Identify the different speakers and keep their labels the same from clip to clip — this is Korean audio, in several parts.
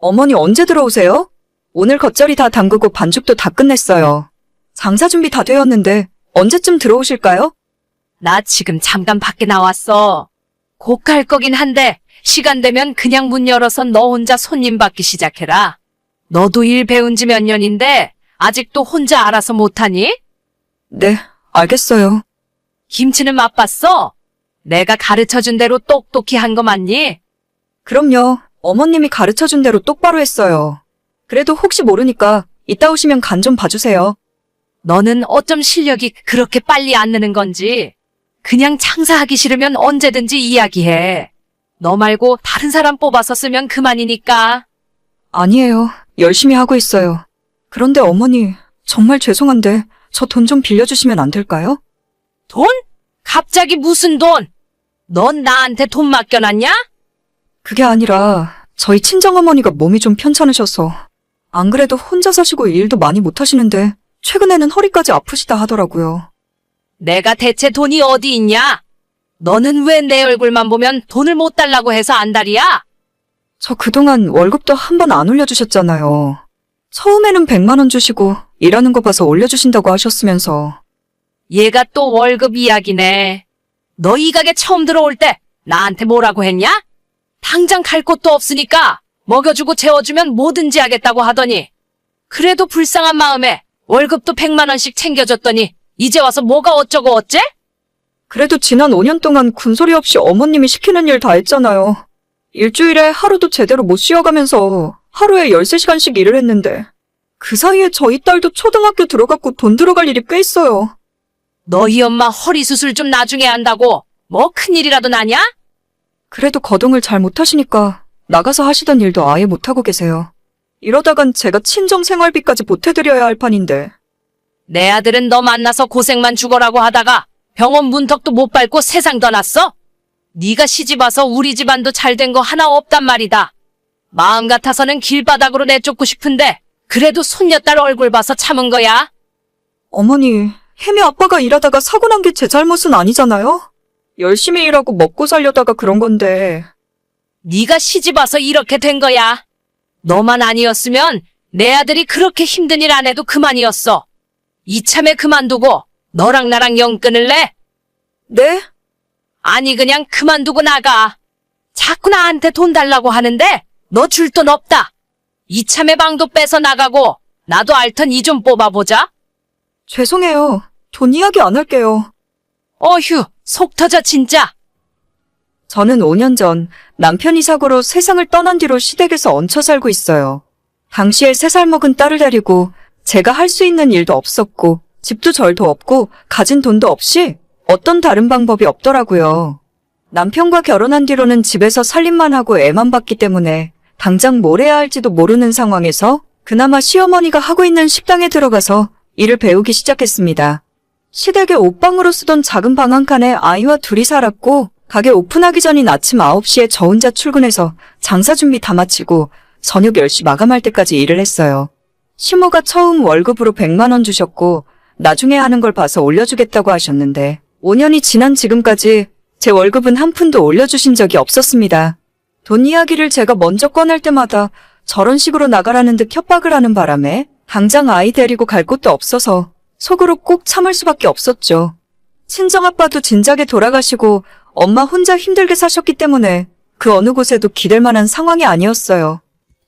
Speaker 1: 어머니 언제 들어오세요? 오늘 겉절이 다 담그고 반죽도 다 끝냈어요. 장사 준비 다 되었는데 언제쯤 들어오실까요?
Speaker 2: 나 지금 잠깐 밖에 나왔어. 곧 갈 거긴 한데 시간 되면 그냥 문 열어서 너 혼자 손님 받기 시작해라. 너도 일 배운 지 몇 년인데 아직도 혼자 알아서 못하니?
Speaker 1: 네, 알겠어요.
Speaker 2: 김치는 맛봤어? 내가 가르쳐준 대로 똑똑히 한 거 맞니?
Speaker 1: 그럼요. 어머님이 가르쳐준 대로 똑바로 했어요. 그래도 혹시 모르니까 이따 오시면 간 좀 봐주세요.
Speaker 2: 너는 어쩜 실력이 그렇게 빨리 안 느는 건지. 그냥 장사하기 싫으면 언제든지 이야기해. 너 말고 다른 사람 뽑아서 쓰면 그만이니까.
Speaker 1: 아니에요. 열심히 하고 있어요. 그런데 어머니, 정말 죄송한데 저 돈 좀 빌려주시면 안 될까요?
Speaker 2: 돈? 갑자기 무슨 돈? 넌 나한테 돈 맡겨놨냐?
Speaker 1: 그게 아니라 저희 친정어머니가 몸이 좀 편찮으셔서 안 그래도 혼자 사시고 일도 많이 못 하시는데 최근에는 허리까지 아프시다 하더라고요.
Speaker 2: 내가 대체 돈이 어디 있냐? 너는 왜 내 얼굴만 보면 돈을 못 달라고 해서 안달이야?
Speaker 1: 저 그동안 월급도 한 번 안 올려주셨잖아요. 처음에는 100만 원 주시고 일하는 거 봐서 올려주신다고 하셨으면서.
Speaker 2: 얘가 또 월급 이야기네. 너 이 가게 처음 들어올 때 나한테 뭐라고 했냐? 당장 갈 곳도 없으니까 먹여주고 재워주면 뭐든지 하겠다고 하더니 그래도 불쌍한 마음에 월급도 100만 원씩 챙겨줬더니 이제 와서 뭐가 어쩌고 어째?
Speaker 1: 그래도 지난 5년 동안 군소리 없이 어머님이 시키는 일 다 했잖아요. 일주일에 하루도 제대로 못 쉬어가면서 하루에 13시간씩 일을 했는데 그 사이에 저희 딸도 초등학교 들어갔고 돈 들어갈 일이 꽤 있어요.
Speaker 2: 너희 엄마 허리 수술 좀 나중에 한다고 뭐 큰일이라도 나냐?
Speaker 1: 그래도 거동을 잘 못하시니까 나가서 하시던 일도 아예 못하고 계세요. 이러다간 제가 친정 생활비까지 보태드려야 할 판인데.
Speaker 2: 내 아들은 너 만나서 고생만 죽어라고 하다가 병원 문턱도 못 밟고 세상 떠났어? 네가 시집와서 우리 집안도 잘 된 거 하나 없단 말이다. 마음 같아서는 길바닥으로 내쫓고 싶은데 그래도 손녀딸 얼굴 봐서 참은 거야.
Speaker 1: 어머니, 혜미 아빠가 일하다가 사고 난 게 제 잘못은 아니잖아요? 열심히 일하고 먹고 살려다가 그런 건데.
Speaker 2: 네가 시집와서 이렇게 된 거야. 너만 아니었으면 내 아들이 그렇게 힘든 일 안 해도 그만이었어. 이참에 그만두고 너랑 나랑 영 끊을래?
Speaker 1: 네?
Speaker 2: 아니 그냥 그만두고 나가. 자꾸 나한테 돈 달라고 하는데 너 줄 돈 없다. 이참에 방도 빼서 나가고 나도 알턴 이 좀 뽑아보자.
Speaker 1: 죄송해요. 돈 이야기 안 할게요.
Speaker 2: 어휴 속 터져 진짜.
Speaker 1: 저는 5년 전 남편이 사고로 세상을 떠난 뒤로 시댁에서 얹혀 살고 있어요. 당시에 3살 먹은 딸을 데리고 제가 할 수 있는 일도 없었고 집도 절도 없고 가진 돈도 없이 어떤 다른 방법이 없더라고요. 남편과 결혼한 뒤로는 집에서 살림만 하고 애만 봤기 때문에 당장 뭘 해야 할지도 모르는 상황에서 그나마 시어머니가 하고 있는 식당에 들어가서 일을 배우기 시작했습니다. 시댁에 옷방으로 쓰던 작은 방 한 칸에 아이와 둘이 살았고 가게 오픈하기 전인 아침 9시에 저 혼자 출근해서 장사 준비 다 마치고 저녁 10시 마감할 때까지 일을 했어요. 시모가 처음 월급으로 100만 원 주셨고 나중에 하는 걸 봐서 올려주겠다고 하셨는데 5년이 지난 지금까지 제 월급은 한 푼도 올려주신 적이 없었습니다. 돈 이야기를 제가 먼저 꺼낼 때마다 저런 식으로 나가라는 듯 협박을 하는 바람에 당장 아이 데리고 갈 곳도 없어서 속으로 꼭 참을 수밖에 없었죠. 친정아빠도 진작에 돌아가시고 엄마 혼자 힘들게 사셨기 때문에 그 어느 곳에도 기댈 만한 상황이 아니었어요.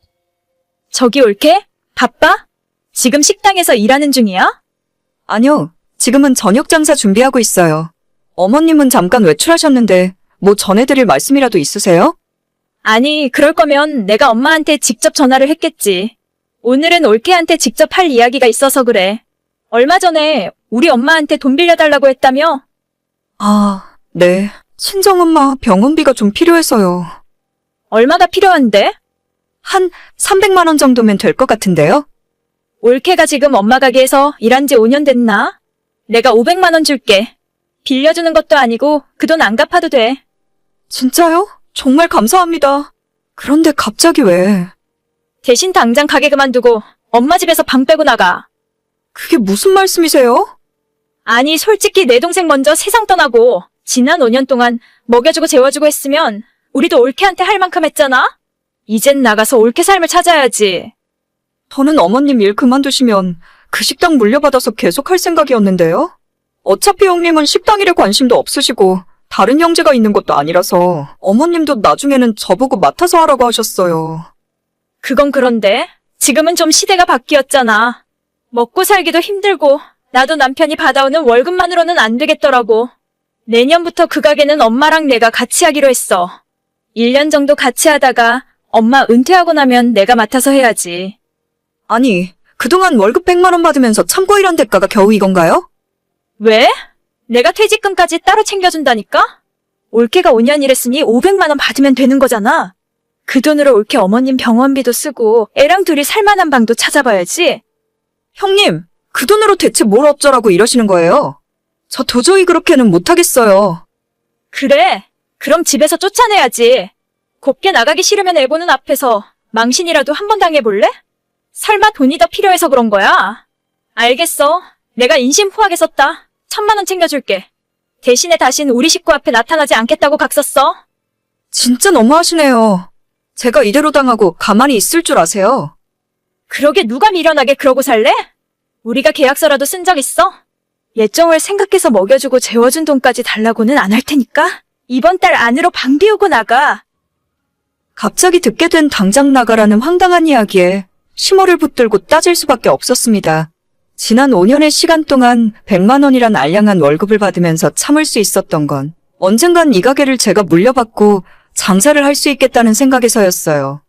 Speaker 3: 저기 올케? 바빠? 지금 식당에서 일하는 중이야?
Speaker 1: 아니요, 지금은 저녁 장사 준비하고 있어요. 어머님은 잠깐 외출하셨는데 뭐 전해드릴 말씀이라도 있으세요?
Speaker 3: 아니, 그럴 거면 내가 엄마한테 직접 전화를 했겠지. 오늘은 올케한테 직접 할 이야기가 있어서 그래. 얼마 전에 우리 엄마한테 돈 빌려달라고 했다며?
Speaker 1: 아, 네. 친정엄마 병원비가 좀 필요해서요.
Speaker 3: 얼마가 필요한데?
Speaker 1: 한 300만 원 정도면 될 것 같은데요?
Speaker 3: 올케가 지금 엄마 가게에서 일한 지 5년 됐나? 내가 500만 원 줄게. 빌려주는 것도 아니고 그 돈 안 갚아도 돼.
Speaker 1: 진짜요? 정말 감사합니다. 그런데 갑자기 왜?
Speaker 3: 대신 당장 가게 그만두고 엄마 집에서 방 빼고 나가.
Speaker 1: 그게 무슨 말씀이세요?
Speaker 3: 아니, 솔직히 내 동생 먼저 세상 떠나고 지난 5년 동안 먹여주고 재워주고 했으면 우리도 올케한테 할 만큼 했잖아? 이젠 나가서 옳게 삶을 찾아야지.
Speaker 1: 저는 어머님 일 그만두시면 그 식당 물려받아서 계속 할 생각이었는데요. 어차피 형님은 식당 일에 관심도 없으시고 다른 형제가 있는 것도 아니라서 어머님도 나중에는 저보고 맡아서 하라고 하셨어요.
Speaker 3: 그건 그런데 지금은 좀 시대가 바뀌었잖아. 먹고 살기도 힘들고 나도 남편이 받아오는 월급만으로는 안 되겠더라고. 내년부터 그 가게는 엄마랑 내가 같이 하기로 했어. 1년 정도 같이 하다가 엄마 은퇴하고 나면 내가 맡아서 해야지.
Speaker 1: 아니, 그동안 월급 100만 원 받으면서 참고 일한 대가가 겨우 이건가요?
Speaker 3: 왜? 내가 퇴직금까지 따로 챙겨준다니까? 올케가 5년 일했으니 500만 원 받으면 되는 거잖아. 그 돈으로 올케 어머님 병원비도 쓰고 애랑 둘이 살만한 방도 찾아봐야지.
Speaker 1: 형님, 그 돈으로 대체 뭘 어쩌라고 이러시는 거예요? 저 도저히 그렇게는 못하겠어요.
Speaker 3: 그래. 그럼 집에서 쫓아내야지. 곱게 나가기 싫으면 애 보는 앞에서 망신이라도 한번 당해볼래? 설마 돈이 더 필요해서 그런 거야? 알겠어. 내가 인심포하게 썼다. 1000만 원 챙겨줄게. 대신에 다신 우리 식구 앞에 나타나지 않겠다고 각 썼어.
Speaker 1: 진짜 너무하시네요. 제가 이대로 당하고 가만히 있을 줄 아세요?
Speaker 3: 그러게 누가 미련하게 그러고 살래? 우리가 계약서라도 쓴 적 있어? 예정을 생각해서 먹여주고 재워준 돈까지 달라고는 안 할 테니까 이번 달 안으로 방 비우고 나가.
Speaker 1: 갑자기 듣게 된 당장 나가라는 황당한 이야기에 심호를 붙들고 따질 수밖에 없었습니다. 지난 5년의 시간 동안 100만 원이란 알량한 월급을 받으면서 참을 수 있었던 건 언젠간 이 가게를 제가 물려받고 장사를 할 수 있겠다는 생각에서였어요.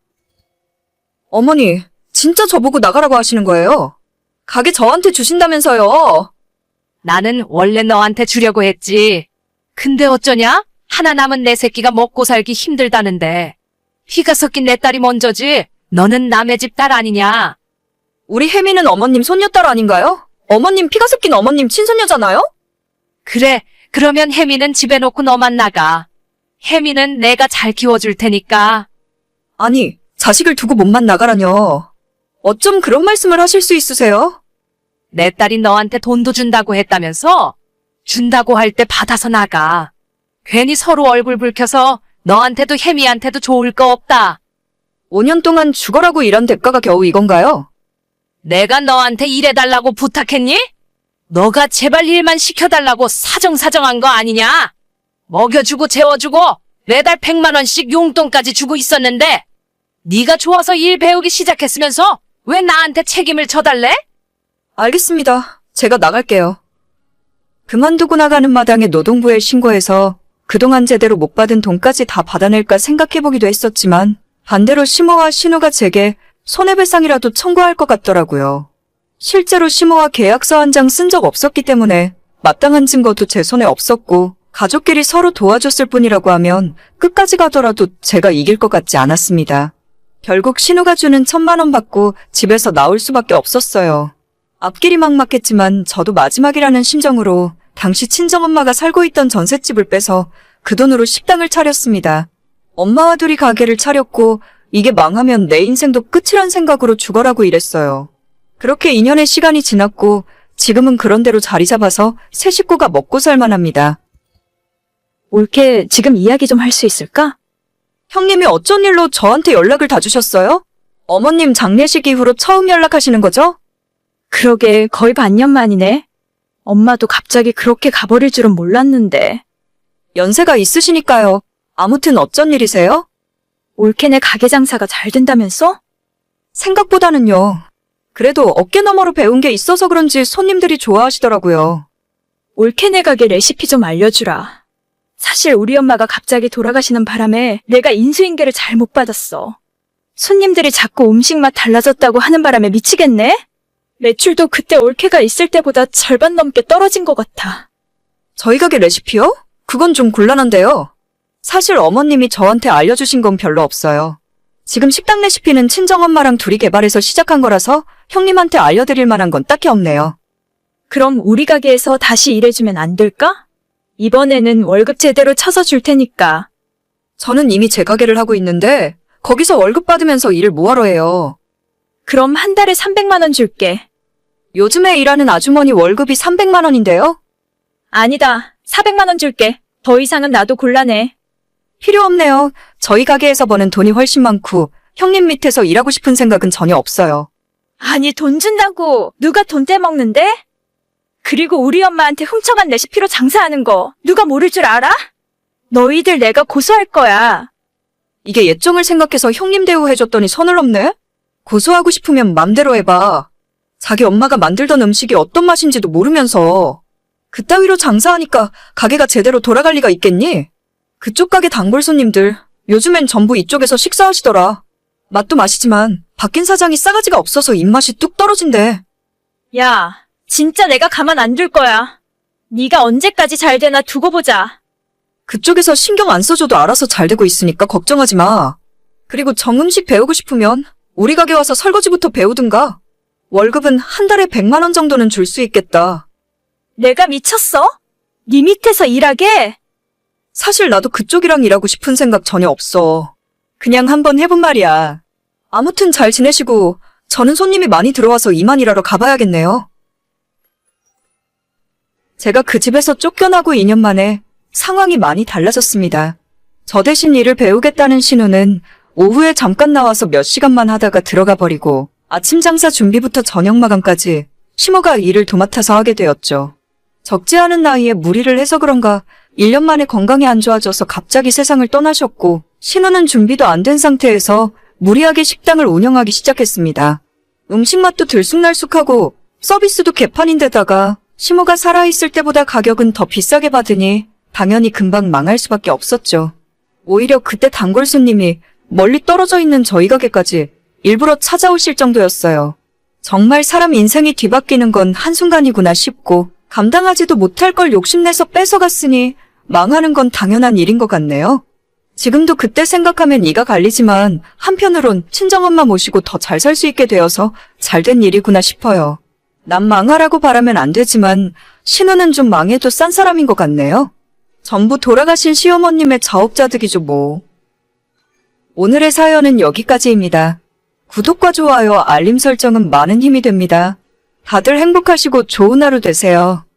Speaker 1: 어머니, 진짜 저보고 나가라고 하시는 거예요? 가게 저한테 주신다면서요?
Speaker 2: 나는 원래 너한테 주려고 했지. 근데 어쩌냐? 하나 남은 내 새끼가 먹고 살기 힘들다는데. 피가 섞인 내 딸이 먼저지. 너는 남의 집 딸 아니냐?
Speaker 1: 우리 혜미는 어머님 손녀딸 아닌가요? 어머님 피가 섞인 어머님 친손녀잖아요?
Speaker 2: 그래, 그러면 혜미는 집에 놓고 너만 나가. 혜미는 내가 잘 키워줄 테니까.
Speaker 1: 아니, 자식을 두고 몸만 나가라뇨. 어쩜 그런 말씀을 하실 수 있으세요?
Speaker 2: 내 딸이 너한테 돈도 준다고 했다면서? 준다고 할 때 받아서 나가. 괜히 서로 얼굴 붉혀서 너한테도 혜미한테도 좋을 거 없다.
Speaker 1: 5년 동안 죽어라고 일한 대가가 겨우 이건가요?
Speaker 2: 내가 너한테 일해달라고 부탁했니? 너가 제발 일만 시켜달라고 사정사정한 거 아니냐? 먹여주고 재워주고 매달 100만 원씩 용돈까지 주고 있었는데 네가 좋아서 일 배우기 시작했으면서 왜 나한테 책임을 져달래?
Speaker 1: 알겠습니다. 제가 나갈게요. 그만두고 나가는 마당에 노동부에 신고해서 그동안 제대로 못 받은 돈까지 다 받아낼까 생각해보기도 했었지만 반대로 시모와 신우가 제게 손해배상이라도 청구할 것 같더라고요. 실제로 시모와 계약서 한 장 쓴 적 없었기 때문에 마땅한 증거도 제 손에 없었고 가족끼리 서로 도와줬을 뿐이라고 하면 끝까지 가더라도 제가 이길 것 같지 않았습니다. 결국 신우가 주는 1000만 원 받고 집에서 나올 수밖에 없었어요. 앞길이 막막했지만 저도 마지막이라는 심정으로 당시 친정엄마가 살고 있던 전셋집을 빼서 그 돈으로 식당을 차렸습니다. 엄마와 둘이 가게를 차렸고 이게 망하면 내 인생도 끝이란 생각으로 죽어라고 일했어요. 그렇게 2년의 시간이 지났고 지금은 그런 대로 자리 잡아서 세 식구가 먹고 살만합니다.
Speaker 3: 올케 지금 이야기 좀 할 수 있을까?
Speaker 1: 형님이 어쩐 일로 저한테 연락을 다 주셨어요? 어머님 장례식 이후로 처음 연락하시는 거죠?
Speaker 3: 그러게 거의 반년 만이네. 엄마도 갑자기 그렇게 가버릴 줄은 몰랐는데.
Speaker 1: 연세가 있으시니까요. 아무튼 어쩐 일이세요?
Speaker 3: 올케네 가게 장사가 잘 된다면서?
Speaker 1: 생각보다는요. 그래도 어깨 너머로 배운 게 있어서 그런지 손님들이 좋아하시더라고요.
Speaker 3: 올케네 가게 레시피 좀 알려주라. 사실 우리 엄마가 갑자기 돌아가시는 바람에 내가 인수인계를 잘 못 받았어. 손님들이 자꾸 음식 맛 달라졌다고 하는 바람에 미치겠네? 매출도 그때 올케가 있을 때보다 절반 넘게 떨어진 것 같아.
Speaker 1: 저희 가게 레시피요? 그건 좀 곤란한데요. 사실 어머님이 저한테 알려주신 건 별로 없어요. 지금 식당 레시피는 친정엄마랑 둘이 개발해서 시작한 거라서 형님한테 알려드릴 만한 건 딱히 없네요.
Speaker 3: 그럼 우리 가게에서 다시 일해주면 안 될까? 이번에는 월급 제대로 쳐서 줄 테니까.
Speaker 1: 저는 이미 제 가게를 하고 있는데 거기서 월급 받으면서 일을 뭐하러 해요.
Speaker 3: 그럼 한 달에 300만 원 줄게.
Speaker 1: 요즘에 일하는 아주머니 월급이 300만 원인데요?
Speaker 3: 아니다. 400만 원 줄게. 더 이상은 나도 곤란해.
Speaker 1: 필요 없네요. 저희 가게에서 버는 돈이 훨씬 많고 형님 밑에서 일하고 싶은 생각은 전혀 없어요.
Speaker 3: 아니, 돈 준다고 누가 돈 떼먹는데? 그리고 우리 엄마한테 훔쳐간 레시피로 장사하는 거 누가 모를 줄 알아? 너희들 내가 고소할 거야.
Speaker 1: 이게 예정을 생각해서 형님 대우해줬더니 선을 넘네? 고소하고 싶으면 맘대로 해봐. 자기 엄마가 만들던 음식이 어떤 맛인지도 모르면서 그따위로 장사하니까 가게가 제대로 돌아갈 리가 있겠니? 그쪽 가게 단골 손님들 요즘엔 전부 이쪽에서 식사하시더라. 맛도 맛이지만 바뀐 사장이 싸가지가 없어서 입맛이 뚝 떨어진대.
Speaker 3: 야, 진짜 내가 가만 안 둘 거야. 네가 언제까지 잘 되나 두고 보자.
Speaker 1: 그쪽에서 신경 안 써줘도 알아서 잘 되고 있으니까 걱정하지 마. 그리고 정음식 배우고 싶으면 우리 가게 와서 설거지부터 배우든가. 월급은 한 달에 100만 원 정도는 줄 수 있겠다.
Speaker 3: 내가 미쳤어? 네 밑에서 일하게?
Speaker 1: 사실 나도 그쪽이랑 일하고 싶은 생각 전혀 없어. 그냥 한번 해본 말이야. 아무튼 잘 지내시고 저는 손님이 많이 들어와서 이만 일하러 가봐야겠네요. 제가 그 집에서 쫓겨나고 2년 만에 상황이 많이 달라졌습니다. 저 대신 일을 배우겠다는 신우는 오후에 잠깐 나와서 몇 시간만 하다가 들어가 버리고 아침 장사 준비부터 저녁 마감까지 시모가 일을 도맡아서 하게 되었죠. 적지 않은 나이에 무리를 해서 그런가 1년 만에 건강이 안 좋아져서 갑자기 세상을 떠나셨고 신우는 준비도 안 된 상태에서 무리하게 식당을 운영하기 시작했습니다. 음식 맛도 들쑥날쑥하고 서비스도 개판인데다가 시모가 살아있을 때보다 가격은 더 비싸게 받으니 당연히 금방 망할 수밖에 없었죠. 오히려 그때 단골 손님이 멀리 떨어져 있는 저희 가게까지 일부러 찾아오실 정도였어요. 정말 사람 인생이 뒤바뀌는 건 한순간이구나 싶고 감당하지도 못할 걸 욕심내서 뺏어갔으니 망하는 건 당연한 일인 것 같네요. 지금도 그때 생각하면 이가 갈리지만 한편으론 친정엄마 모시고 더 잘 살 수 있게 되어서 잘된 일이구나 싶어요. 남 망하라고 바라면 안 되지만 신우는 좀 망해도 싼 사람인 것 같네요. 전부 돌아가신 시어머님의 자업자득이죠 뭐. 오늘의 사연은 여기까지입니다. 구독과 좋아요, 알림 설정은 많은 힘이 됩니다. 다들 행복하시고 좋은 하루 되세요.